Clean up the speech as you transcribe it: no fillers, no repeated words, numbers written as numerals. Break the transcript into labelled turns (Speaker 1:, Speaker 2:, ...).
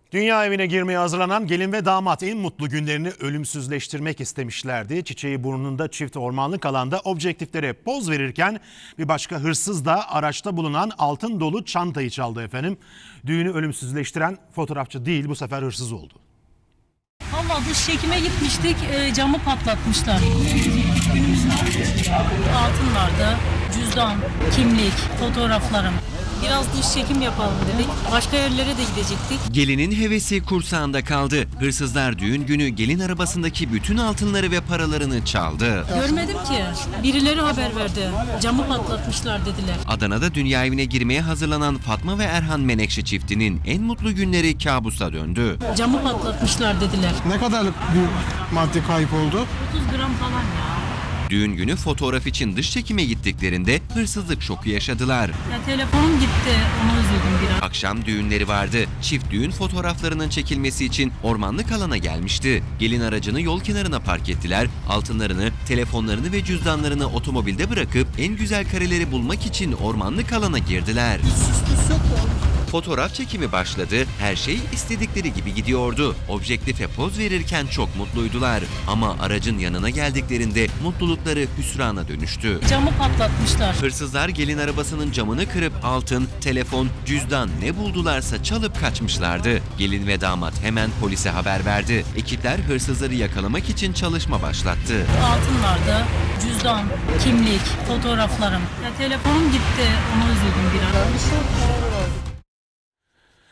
Speaker 1: Dünya evine girmeye hazırlanan gelin ve damat en mutlu günlerini ölümsüzleştirmek istemişlerdi. Çiçeği burnunda çift ormanlık alanda objektiflere poz verirken bir başka hırsız da araçta bulunan altın dolu çantayı çaldı efendim. Düğünü ölümsüzleştiren fotoğrafçı değil, bu sefer hırsız oldu.
Speaker 2: Valla dış çekime gitmiştik, camı patlatmışlar. Altınlarda cüzdan, kimlik, fotoğraflarım. Biraz dış çekim yapalım dedik. Başka yerlere de gidecektik.
Speaker 3: Gelinin hevesi kursağında kaldı. Hırsızlar düğün günü gelin arabasındaki bütün altınları ve paralarını çaldı.
Speaker 2: Görmedim ki. Birileri haber verdi. Camı patlatmışlar dediler.
Speaker 3: Adana'da dünya evine girmeye hazırlanan Fatma ve Erhan Menekşe çiftinin en mutlu günleri kabusa döndü.
Speaker 2: Camı patlatmışlar dediler.
Speaker 4: Ne kadarlık bir madde kayıp oldu?
Speaker 2: 30 gram falan ya.
Speaker 3: Düğün günü fotoğraf için dış çekime gittiklerinde hırsızlık şoku yaşadılar.
Speaker 2: Ya telefonum gitti. Ona üzüldüm biraz.
Speaker 3: Akşam düğünleri vardı. Çift düğün fotoğraflarının çekilmesi için ormanlık alana gelmişti. Gelin aracını yol kenarına park ettiler. Altınlarını, telefonlarını ve cüzdanlarını otomobilde bırakıp en güzel kareleri bulmak için ormanlık alana girdiler. Fotoğraf çekimi başladı. Her şey istedikleri gibi gidiyordu. Objektife poz verirken çok mutluydular. Ama aracın yanına geldiklerinde mutlulukları hüsrana dönüştü.
Speaker 2: Camı patlatmışlar.
Speaker 3: Hırsızlar gelin arabasının camını kırıp altın, telefon, cüzdan ne buldularsa çalıp kaçmışlardı. Gelin ve damat hemen polise haber verdi. Ekipler hırsızları yakalamak için çalışma başlattı.
Speaker 2: Altınlarda cüzdan, kimlik, fotoğraflarım. Ya telefonum gitti. Ona üzüldüm biraz.